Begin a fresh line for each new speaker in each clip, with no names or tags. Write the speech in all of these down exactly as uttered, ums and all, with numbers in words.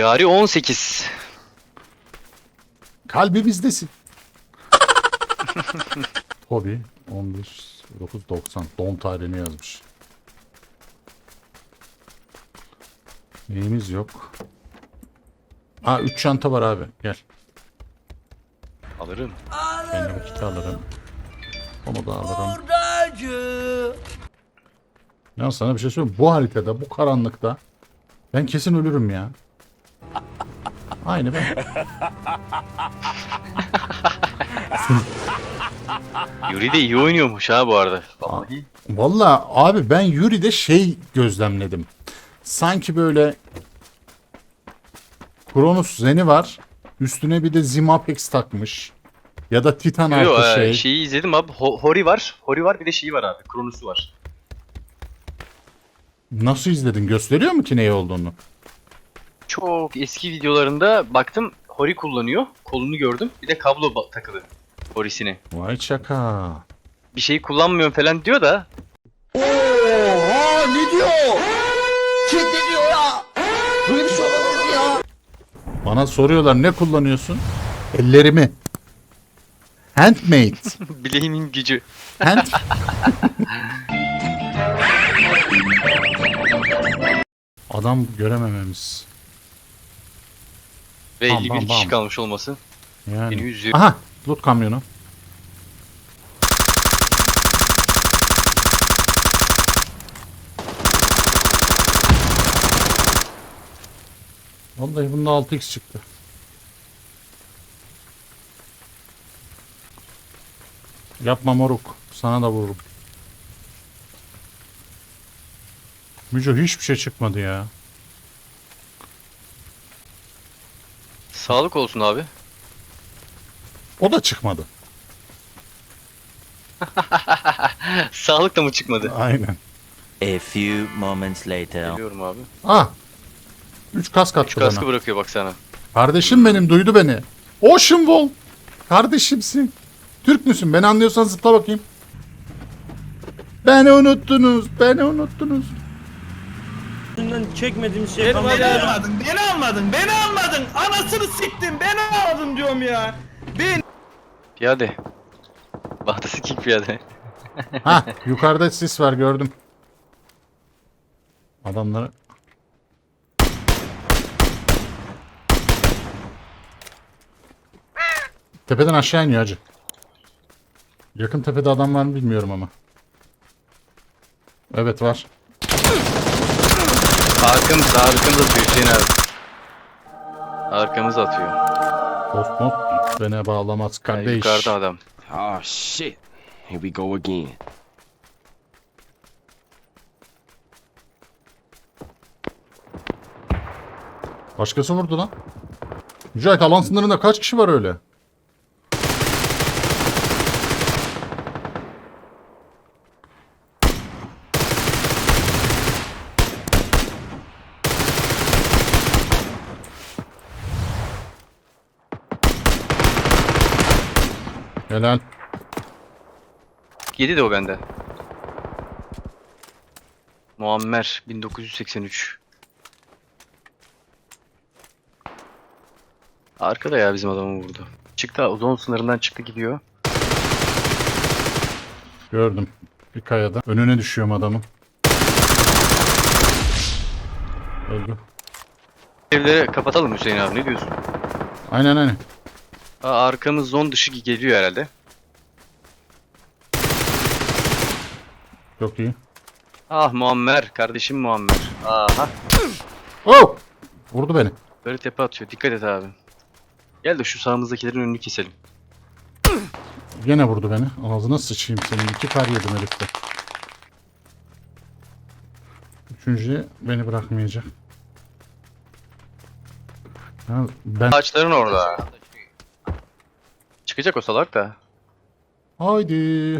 Tarih on sekiz.
Kalbimizdesin. Hobi on bir dokuz doksan. Doğum tarihini yazmış. Neyimiz yok. Aa üç çanta var abi. Gel.
Alırım.
Ben de vakit alırım. Onu da alırım. Ya sana bir şey söyleyeyim. Bu haritada, bu karanlıkta ben kesin ölürüm ya. Aynı ben.
Yuri de iyi oynuyormuş ha bu arada. Vallahi.
Vallahi abi ben Yuri'de şey gözlemledim. Sanki böyle Kronos Zen'i var. Üstüne bir de Zimapex takmış. Ya da Titan
Yo,
artı
e,
şey.
şeyi izledim abi. Ho- Hori var. Hori var bir de şeyi var abi. Kronos'u var.
Nasıl izledin? Gösteriyor mu ki ne olduğunu?
Çok eski videolarında baktım Hori kullanıyor. Kolunu gördüm. Bir de kablo ba- takılı. Hori'sini.
Vay çaka.
Bir şey kullanmıyorum falan diyor da.
Oha ne diyor? Kim ne diyor ya? Böyle bir şey olamaz ya.
Bana soruyorlar ne kullanıyorsun? Ellerimi. Handmade.
Bileğimin gücü.
Hand... Adam göremememiz.
Ve
Bam,
elli bir
bam,
kişi
bam.
kalmış olması. Beni
Yani.
üzüyor.
Aha, loot kamyonu. Vallahi bunda altı x çıktı. Yapma moruk. Sana da vururum. Müco hiçbir şey çıkmadı ya.
Sağlık olsun abi.
O da çıkmadı.
Sağlık da mı çıkmadı?
Aynen.
A few moments later.
Biliyorum abi.
Ah. üç kask attı
Şu kaskı
bana.
bırakıyor bak sana.
Kardeşim benim duydu beni. Ocean Wall. Kardeşimsin. Türk müsün? Beni anlıyorsan zıpla bakayım. Beni unuttunuz. Beni unuttunuz.
Çekmediğim şey
Beni
kalmadı.
almadın, beni almadın, beni almadın. Anasını siktim, beni almadın diyorum ya. Ben
Piyade. Bahtası kick piyade.
Ha, yukarıda sis var gördüm. Adamları. Tepeden aşağı iniyor hacı. Yakın tepede adam var mı bilmiyorum ama. Evet var.
Arkamız, arkamız atıyor Hüseyin abi. Arkamız atıyor.
Dost not beni bağlamaz
Yani
kardeş.
yukarıda adam.
Oh shit. Here we go again.
Başkası vurdu lan. Mücahit alan sınırında kaç kişi var öyle? Helal.
Yedi de o bende. Muammer bin dokuz yüz seksen üç. Arkada ya bizim adamı vurdu. Çıktı zon sınırından çıktı gidiyor.
Gördüm. Bir kayada. Önüne düşüyorum adamın. Öldü.
Evleri kapatalım Hüseyin abi ne diyorsun?
Aynen aynen.
Aa, arkamız zon dışı geliyor herhalde.
Çok iyi.
Ah Muammer kardeşim Muammer. Aha.
Oh! Vurdu beni.
Böyle tepe atıyor. Dikkat et abi. Gel de şu sağımızdakilerin önünü keselim.
Gene vurdu beni. Ağzına sıçayım senin. İki kar yedim herifte. Üçüncüye beni bırakmayacak. Ya ben...
Ağaçların orada. Çıkacak o salak da.
Haydi.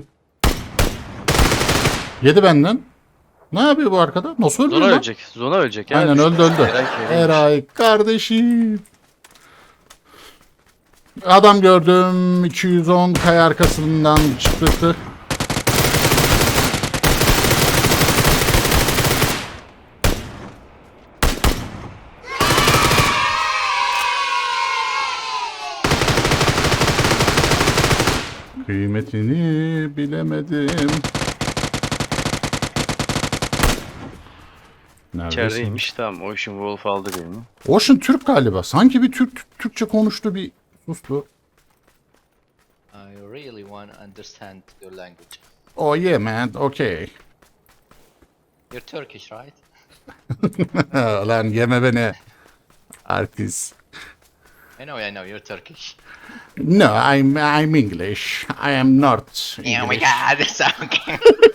Yedi benden. Ne yapıyor bu arkada? Nasıl öldü
Zona
lan?
ölecek. Zona ölecek. ya.
Aynen öldü öldü.
Eray Kerem'miş.
Eray kardeşim. Adam gördüm. iki yüz on kaya arkasından çıktı. Kıymetini bilemedim. Neredesin?
İçerideymiş. Tamam. Ocean Wolf aldı beni.
Ocean Türk galiba. Sanki bir Türk Türkçe konuştu, bir sustu.
I really want to understand your language.
Oh yeah man, okay.
You're Turkish, right?
Lan yeme beni. Artist.
I know, I know, you're Turkish.
No, I'm I'm English. I am not
Oh my
English.
god, it's okay.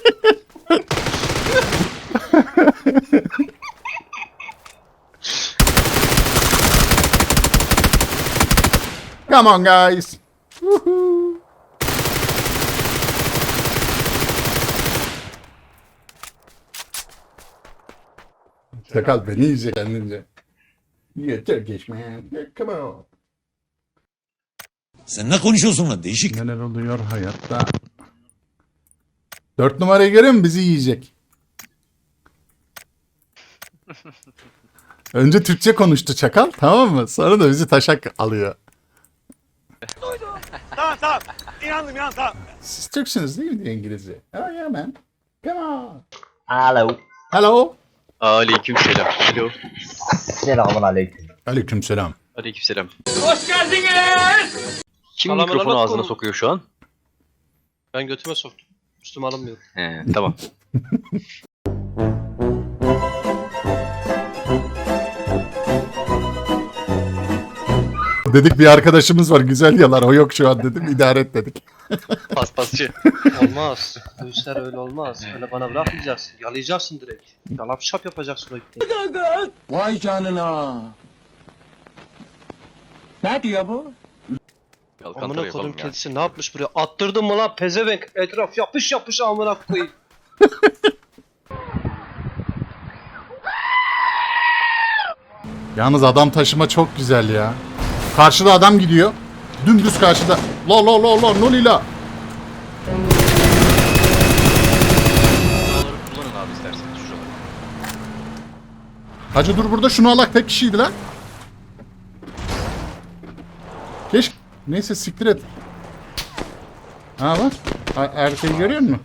Come on guys. Woohoo. Sakal beni izle kendince. Yeah, Turkish man. Yeah, come on.
Sen ne konuşuyorsun lan değişik.
Neler oluyor hayatta? Dört numarayı görüyor musun? Bizi yiyecek. Önce Türkçe konuştu çakal, tamam mı? Sonra da bizi taşak alıyor.
Tamam tamam. İnandım inandım tamam.
Siz Türksünüz değil mi diye İngilizce? Oh yeah man. Come on.
Alo.
Hello.
Aleyküm selam. Alo.
Selamun aleyküm.
Aleykümselam.
Aleyküm selam. Hoş geldiniz. Kim mikrofonu ağzına sokuyor şu an?
Ben götüme soktum. Üstüme alınmıyor.
He, tamam.
Dedik bir arkadaşımız var güzel yalar, o yok şu an dedim, idare et dedik.
Paspasçı.
Olmaz. Bu işler öyle olmaz. Öyle bana bırakmayacaksın. Yalayacaksın direkt. Yalap şap yapacaksın o ipneyi.
Vay canına. Ne diyor bu?
Yalkantıra
Amına
yapalım
kodum
ya.
kedisi ne yapmış buraya? Attırdın mı lan pezevenk? Etraf yapış yapış amına koyayım.
Yalnız adam taşıma çok güzel ya. Karşıda adam gidiyor. Dümdüz karşıda. La la la la nolila.
Şuraları kullanın abi isterseniz şuraları.
Hacı dur burada, şunu alak, tek kişiydi lan. Keş. Neyse siktir et. Ha bak. Ha, erkeği görüyor musun?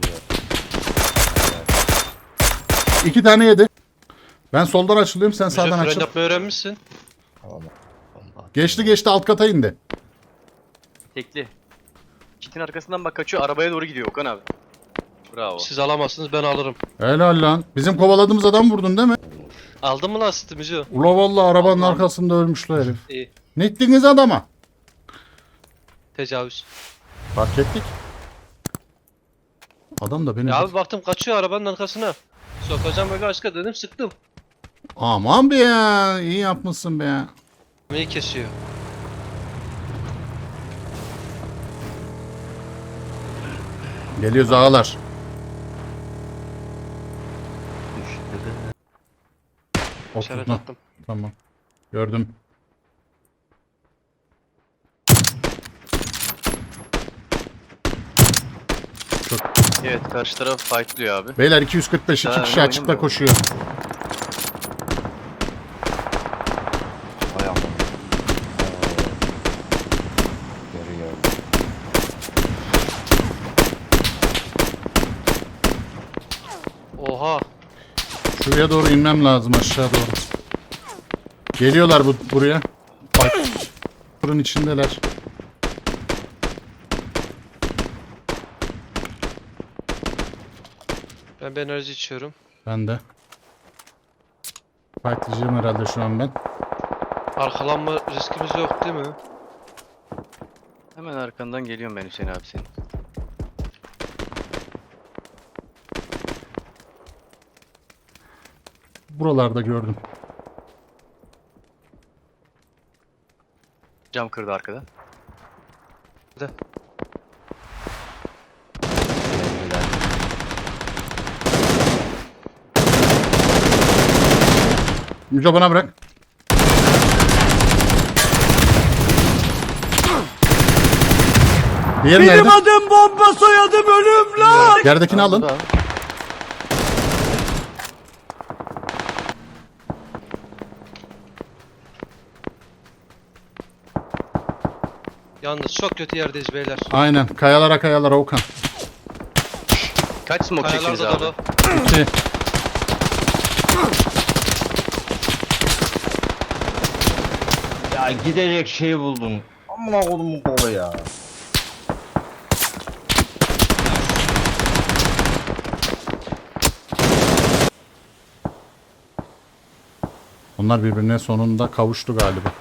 İki tane yedi. Ben soldan açılıyorum, sen
Bize
sağdan
fren
açıl.
yapmayı öğrenmişsin.
Geçti geçti, alt kata indi.
Tekli. Kitin arkasından bak kaçıyor. Arabaya doğru gidiyor Okan abi. Bravo.
Siz alamazsınız ben alırım.
Helal lan. Bizim kovaladığımız adam vurdun değil mi?
Aldın mı lan sütümüzü?
Ula vallahi arabanın arkasında ölmüş la herif.
İyi.
Ne ettiniz adama?
Tecavüz.
Fark ettik. Adam da beni...
Ya abi baktım kaçıyor arabanın arkasına. Sokacağım böyle aşka dedim sıktım.
Aman be ya. İyi yapmışsın be ya.
Neyi kesiyor?
Geliyoruz ağalar.
İşaret
Oturtma.
attım.
Tamam. Gördüm.
Evet karşı taraf fightlıyor abi.
Beyler iki yüz kırk beş, iki
Ha,
kişi
öyle
açıkta
oynamıyor.
koşuyor.
Hay Allah. Görüyorum.
Oha.
Şuraya doğru inmem lazım, aşağı doğru. Geliyorlar bu buraya. Bak. Burun içindeler.
Ben bir enerji içiyorum.
Ben de. Fightlayacağım herhalde şu an ben.
Arkalanma riskimiz yok değil mi?
Hemen arkandan geliyorum ben Hüseyin abi senin.
Buralarda gördüm.
Cam kırdı arkada.
Yüce bana bırak. Diğeri nerede?
Benim adım bomba soyadım ölüm lan.
Yerdekini alın.
Burada.
Yalnız çok kötü yerdeyiz beyler.
Aynen. Kayalara kayalara Okan.
Kaç smoke
Kayalar
çektiniz
da
abi?
dolu.
İki.
Ya gidecek şey buldum. Amına kodumun kolu ya.
Onlar birbirine sonunda kavuştu galiba.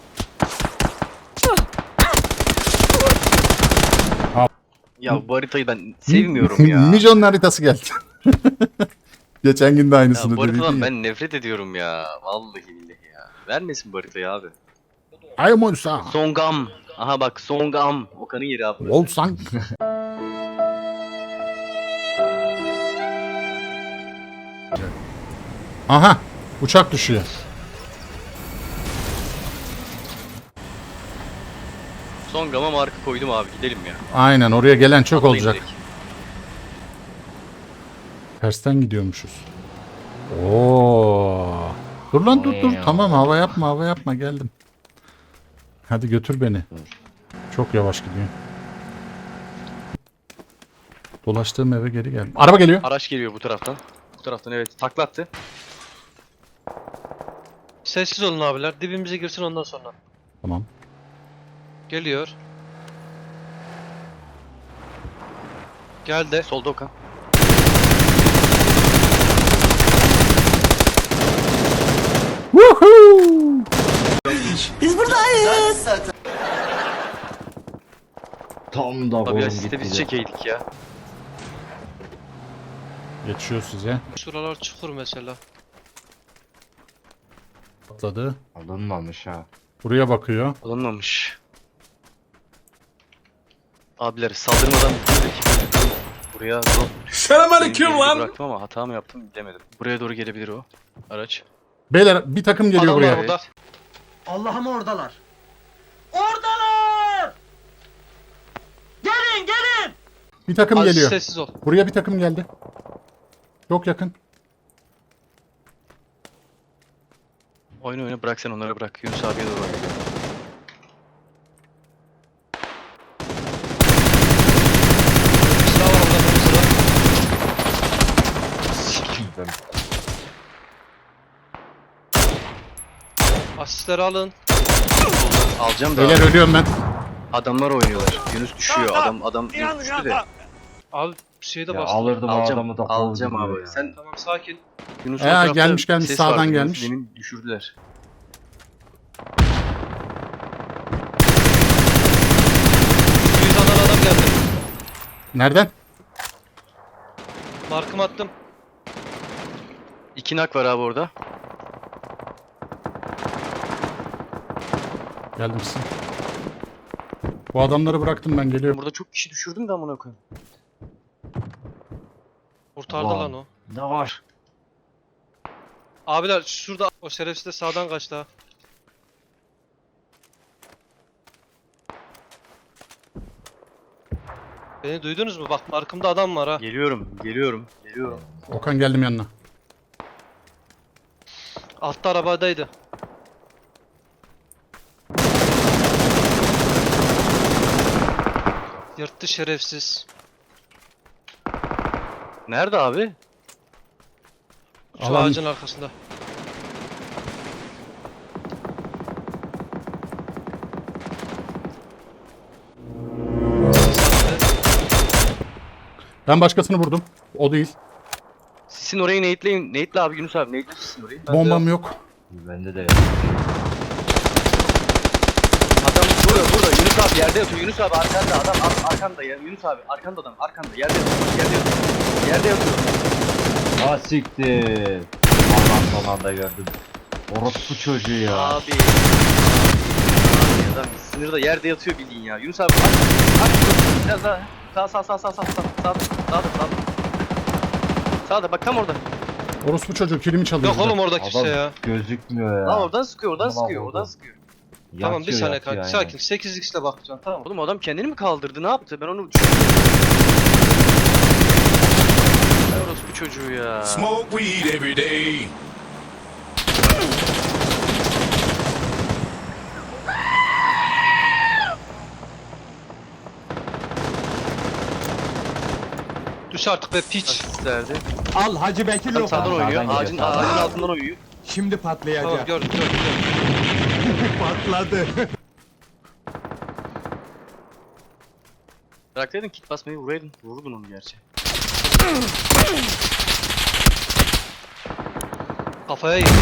Ya bu haritayı ben sevmiyorum ya.
Mijon'un haritası geldi. Geçen gün de
Ya
aynısını
bu haritadan
dedin ya.
ben nefret ediyorum ya. Vallahi billahi ya. Vermesin bu haritayı abi.
Ay Molsa.
Songam. Aha bak Songam. Okan'ın yeri abi. burası.
Volsang. Aha. Uçak düşüyor.
Songam'a marka koydum abi gidelim ya.
Aynen oraya gelen çok
Atlayın
olacak.
direkt.
Tersten gidiyormuşuz. Oo. Dur lan dur dur. Tamam hava yapma hava yapma geldim. Hadi götür beni. Çok yavaş gidiyor. Dolaştığım eve geri geldim. Araba geliyor.
Araç geliyor bu taraftan. Bu taraftan evet taklattı.
Sessiz olun abiler. Dibimize girsin ondan sonra.
Tamam.
Geliyor. Geldi.
Solda Okan.
Woohoo!
Tam da
Abi
kolum
ya siz de
gitti.
biz
de.
çekeydik ya.
Geçiyor size.
Şuralar çukur mesela.
Atladı.
Alınmamış ha.
Buraya bakıyor.
Alınmamış. Abiler saldırmadan buradaki buraya doğru. Selamünaleyküm lan. Bıraktım ama hata mı yaptım bilemedim. Buraya doğru gelebilir o araç.
Beyler bir takım geliyor
Adamlar
buraya.
burada.
Allah'ım oradalar. Oradalar! Gelin gelin!
Bir takım
Az
geliyor.
sessiz ol.
Buraya bir takım geldi. Çok yakın.
Oyna oyna bırak sen onları bırak. Yunus abiye doğru. oyna.
Silah var orada. bir Silah.
Ben
Asistleri alın.
Alacağım da
Beyler
abi.
ölüyorum ben.
Adamlar oynuyorlar. Yunus düşüyor. Adam adam Yunus
İnandım
düştü de.
inandım.
Abi şeyde
ya
bastım.
alırdım o
Alacağım.
adamı da
Alacağım
kovduruyor
abi.
ya.
Sen
Tamam sakin.
Yunus
Ee,
o tarafta
gelmiş, gelmiş,
ses
sağdan
vardı. Yunus
gelmiş.
Demin düşürdüler.
yüz alan adam geldi.
Nereden?
Markım attım.
İki nak var abi orada.
Geldim size. Bu adamları bıraktım ben geliyorum.
Burada çok kişi düşürdüm de amına koyayım.
Kurtardı
Ulan.
lan o.
Ne var?
Abiler şurada o şerefsiz de sağdan kaçtı ha. Beni duydunuz mu? Bak markımda adam var ha.
Geliyorum, geliyorum, geliyorum.
Okan geldim yanına.
Altta arabadaydı. Yırttı şerefsiz.
Nerede abi?
Şu
Alan-
ağacın arkasında.
Ben başkasını vurdum. O değil.
Sizin orayı nate'leyin. Nate'le abi Yunus abi. Nate'le sizin orayı. Ben de-
Bombam yok.
Bende de.
Adam burada burada. Yunus abi yerde yatıyor. Yunus abi arkanda. Adam ar- arkanda ya. Yunus abi arkanda adam. Arkanda. Yerde yatıyor. Yerde yatıyor. Yerde yatıyor.
Ha siktir. Allah son anda gördüm. Orospu çocuğu ya.
Abi. Abi adam sınırda yerde yatıyor bildiğin ya. Yunus abi aç. Aç. Biraz daha. Sağ sağ sağ sağ sağ sağ. Sağ sağda sağda. Sağda bak tam orada.
Orospu çocuğu kilimi çalıyor.
Yok
bir de.
oğlum orada kimse
Adam
ya.
gözükmüyor ya.
Lan oradan sıkıyor, oradan
Tamam,
sıkıyor, oradan
oldu.
sıkıyor.
Tamam bir
Yatıyor,
saniye
yatıyor,
kanka
aynen.
sakin. sekiz x'le bakacaksın tamam mı?
Oğlum adam kendini mi kaldırdı? Ne yaptı? Ben onu düşünüyorum. Ay orospu çocuğu ya.
Smoke weed every day.
Düş artık be piç.
Asistlerdi.
Al Hacı Bekir
Tam sağdan
lokma.
oynuyor.
Sağdan
Ağacın,
geliyor, sağdan.
ağacın altından oynuyor.
Şimdi patlayacak.
Tamam gördüm gördüm gördüm.
Patladı.
Bıraksaydın kit basmayı vuraydın. Vururdun onu gerçi.
Kafaya gitti.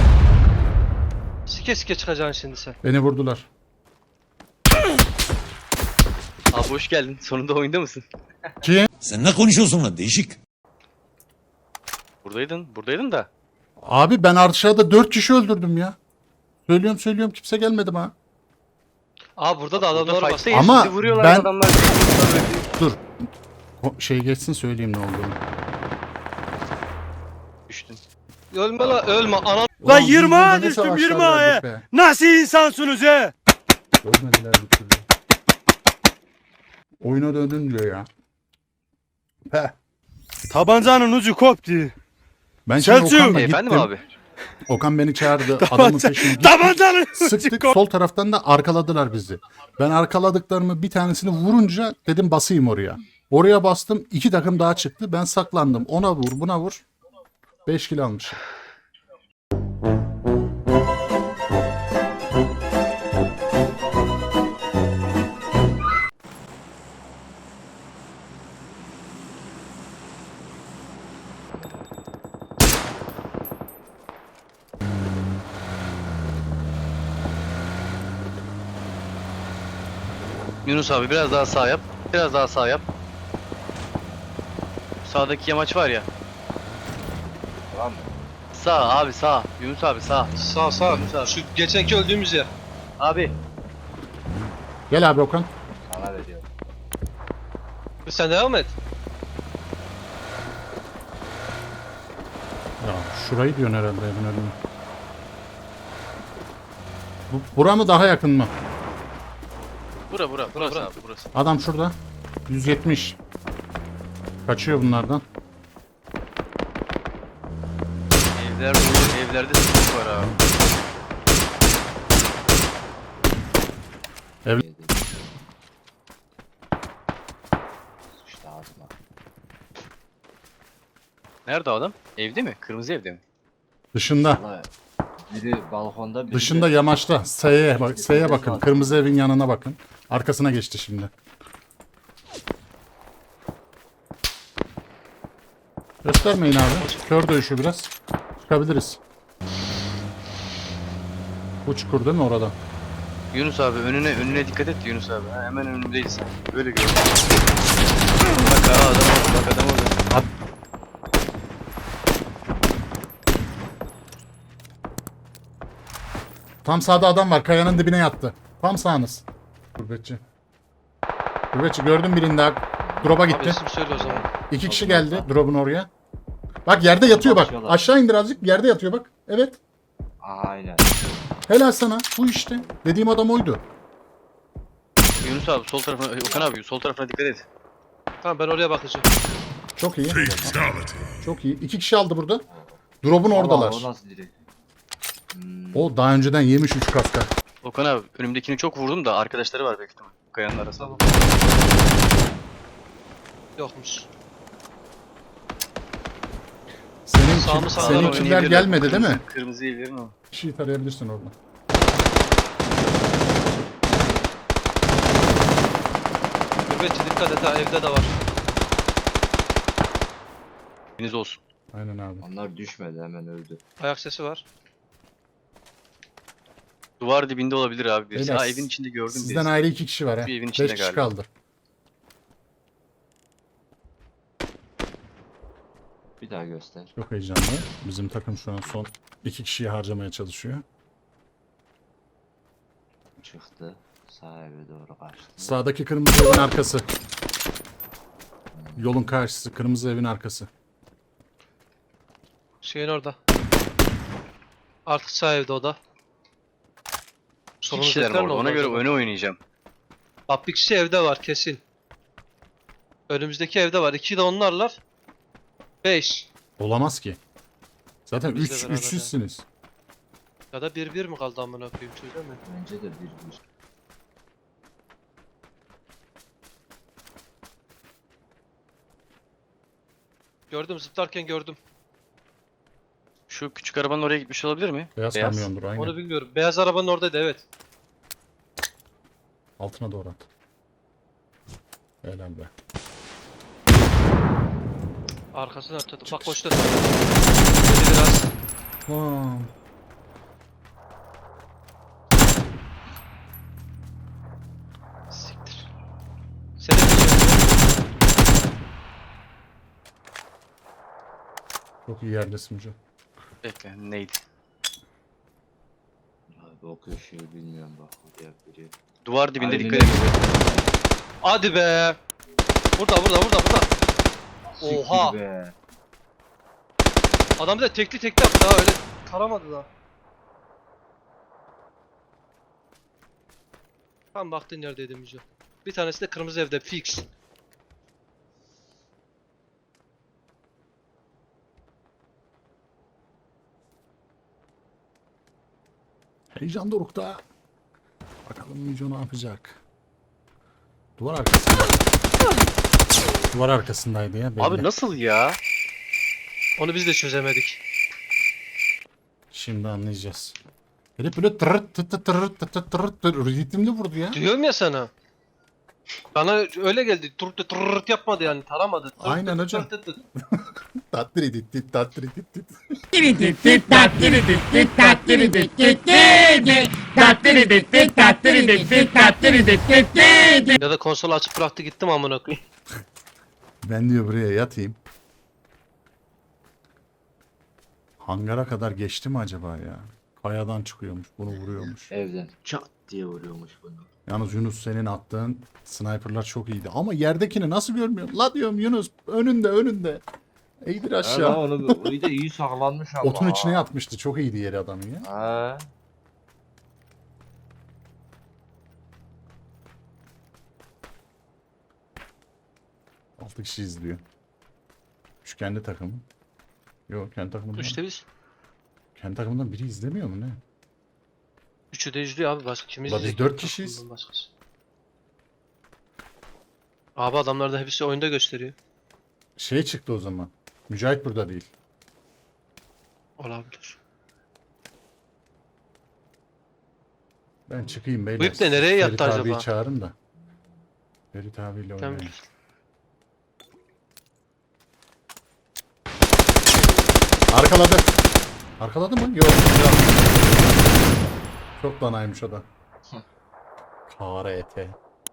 Sike sike çıkacaksın şimdi sen.
Beni vurdular.
Abi hoş geldin. Sonunda oyunda mısın?
Kim?
Sen ne konuşuyorsun lan değişik?
Buradaydın. Buradaydın da.
Abi ben aşağıda dört kişi öldürdüm ya. Söylüyorum söylüyorum kimse gelmedi ha.
Aa burada da adamlar
Burada
var.
fight'tayız.
Ama
Bizi vuruyorlar
ben-
adamlar.
Dur. O şey geçsin söyleyeyim ne olduğunu.
Düştün.
Ölme la ölme ana.
Lan yirmi ağa düştüm yirmi ağa.
Nasıl insansınız he?
Ölmediler bir türlü. Oyuna döndün diyor ya. Heh.
Tabancanın ucu koptu.
Ben şimdi
Selçuk!
Okan'la
E,
gittim.
efendim abi.
Okan beni çağırdı. Adamın peşine gittik.
Tabancanın
Sıktık. Sol taraftan da arkaladılar bizi. Ben arkaladıklarımı bir tanesini vurunca dedim basayım oraya. Oraya bastım. İki takım daha çıktı. Ben saklandım. Ona vur buna vur. Beş kilo almışım.
Yunus abi biraz daha sağ yap. Biraz daha sağ yap. Sağdaki yamaç var ya.
Tamam.
Sağ abi sağ. Yunus abi sağ.
Sağ sağ. Şu geçenki öldüğümüz yer.
Abi.
Gel abi Okan.
Sen devam et.
Ya şurayı diyorsun herhalde evin önüne. Bu, bura mı daha yakın mı?
Bura bura. Burası abi burası.
Adam şurada. yüz yetmiş. Kaçıyor bunlardan.
Evler dolu. Evlerde sıkıntı var abi. Nerede o adam? Evde mi? Kırmızı evde mi?
Dışında.
Biri balkonda biri
Dışında yamaçta. S'ye bak, S'ye bakın. Kırmızı evin yanına bakın. Arkasına geçti şimdi. Göstermeyin abi. Kör dövüşü biraz. Çıkabiliriz. Bu çukur değil mi orada?
Yunus abi önüne önüne dikkat et Yunus abi. Ha, hemen önümdeyiz sen. Böyle gör. Bak ha, adam oldu. Bak adam oldu.
Tam sağda adam var. Kayanın dibine yattı. Tam sağınız. Gurbetçi. Gurbetçi gördüm birini daha. Drop'a
Abi
gitti.
isim söyle o zaman.
İki kişi geldi drop'un oraya. Bak yerde yatıyor bak.
Bakıyorlar.
Aşağı indir azıcık. Yerde yatıyor bak. Evet.
Aynen.
Helal sana. Bu işte. Dediğim adam oydu.
Yunus abi sol tarafına Okan abi sol tarafına dikkat et.
Tamam ben oraya bakacağım.
Çok iyi.
Fatality.
Çok iyi. İki kişi aldı burada. Drop'un oradalar.
Allah, o nasıl direkt? Hmm.
O daha önceden yemiş üç kaska.
Okan abi önümdekini çok vurdum da arkadaşları var büyük ihtimal. Kayanın arasında.
Tamam. Yokmuş.
Senin,
Sağ mı, sağdan
seninkiler
Oynayabilirler.
gelmedi değil mi?
Kırmızı- Kırmızı evlerin o.
Bir şey tarayabilirsin orada.
Nöbetçi dikkat et ha evde de var.
Deniz olsun.
Aynen abi.
Onlar düşmedi hemen öldü.
Ayak sesi var.
Duvar dibinde olabilir abi birisi.
Beyler,
Ha evin içinde gördüm
Sizden
birisi.
ayrı iki kişi var ha.
Bir evin
Beş
içinde
kişi
galiba.
kaldı.
Bir daha göster.
Çok heyecanlı. Bizim takım şu an son iki kişiyi harcamaya çalışıyor.
Çıktı. Sağ eve doğru kaçtı.
Sağdaki kırmızı evin arkası. Yolun karşısı. Kırmızı evin arkası.
Şeyin orada. Artık sağ evde o da.
İki kişiler mi orada? Ona göre öne oynayacağım.
Bak bir kişi evde var kesin. Önümüzdeki evde var. İki de onlarlar. Beş.
Olamaz ki. Zaten
Bizle
üç,
beraber
üçsüzsünüz.
Ya da bir bir mi kaldı amına koyayım çözemem mi?
Bence de bir bir.
Gördüm, zıplarken gördüm.
Şu küçük arabanın oraya gitmiş olabilir mi?
Beyaz,
Beyaz.
kamyondur aynen.
Onu bilmiyorum. Beyaz arabanın oradaydı, evet.
Altına doğru at. Helal be.
Arkasını atladı. Bak koştu. Dedi biraz.
Vaa.
Siktir. Seni biliyorum.
Çok iyi yerdesin Müco.
Bekle neydi?
Abi o köşeyi bilmiyorum bak. Oraya biri.
Duvar dibinde
Aynen
dikkat edin.
Hadi be. Burada, burada, burada, burada. Oha.
Siktir be.
Adam bir de tekli tekli yaptı ha, öyle taramadı da. Tam baktın neredeydi Müco. Bir tanesi de kırmızı evde fix.
Heyecan dorukta. Bakalım Müco ne yapacak. Duvar arkasında. Duvar arkasındaydı ya belli.
Abi nasıl ya?
Onu biz de çözemedik.
Şimdi anlayacağız. Herif böyle tırırt tırırt tırırt tırırt tırırt tırırt ritimli vurdu ya.
Diyorum ya sana. Bana öyle geldi. Turt turt yapmadı yani, taramadı. Tırт
Aynen
tırt
hocam.
tırt tırt.
Tattiri ditti tattiri ditti.
Ya da konsolu açıp bıraktı gittim amına koyayım.
Ben diyor buraya yatayım. Hangara kadar geçti mi acaba ya? Kayadan çıkıyormuş, bunu vuruyormuş.
Evden çat diye vuruyormuş bunu.
Yalnız Yunus senin attığın sniperlar çok iyiydi. Ama yerdekini nasıl görmüyorum? La diyorum Yunus önünde önünde. İyidir
Ya
aşağı.
onu, onu da iyi saklanmış ama.
Otun içine yatmıştı. Çok iyiydi yeri adamın ya.
Ha.
Altı kişi izliyor. Şu kendi takımı. Yok kendi takımından.
İşte biz.
Kendi takımından biri izlemiyor mu ne?
Üçü de izliyor abi, başka kim
Ulan biz
izleyecek?
dört kişiyiz.
Takımdan başkası. Abi adamlar da hepsi oyunda gösteriyor.
Şey çıktı o zaman. Mücahit burada değil.
Olabilir.
Ben çıkayım beyler.
Bu ip de nereye yattı
Ferit abiyi
acaba?
çağırın da. Ferit abiyle
Tamam.
oynayalım. Arkaladı. Arkaladı mı? Yok. Çok danaymış o da. Kara ete.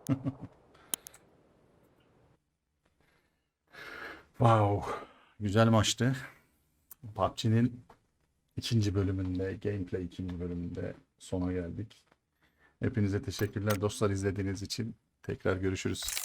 Wow. Güzel maçtı. P U B G'nin ikinci bölümünde, gameplay ikinci bölümünde sona geldik. Hepinize teşekkürler dostlar izlediğiniz için. Tekrar görüşürüz.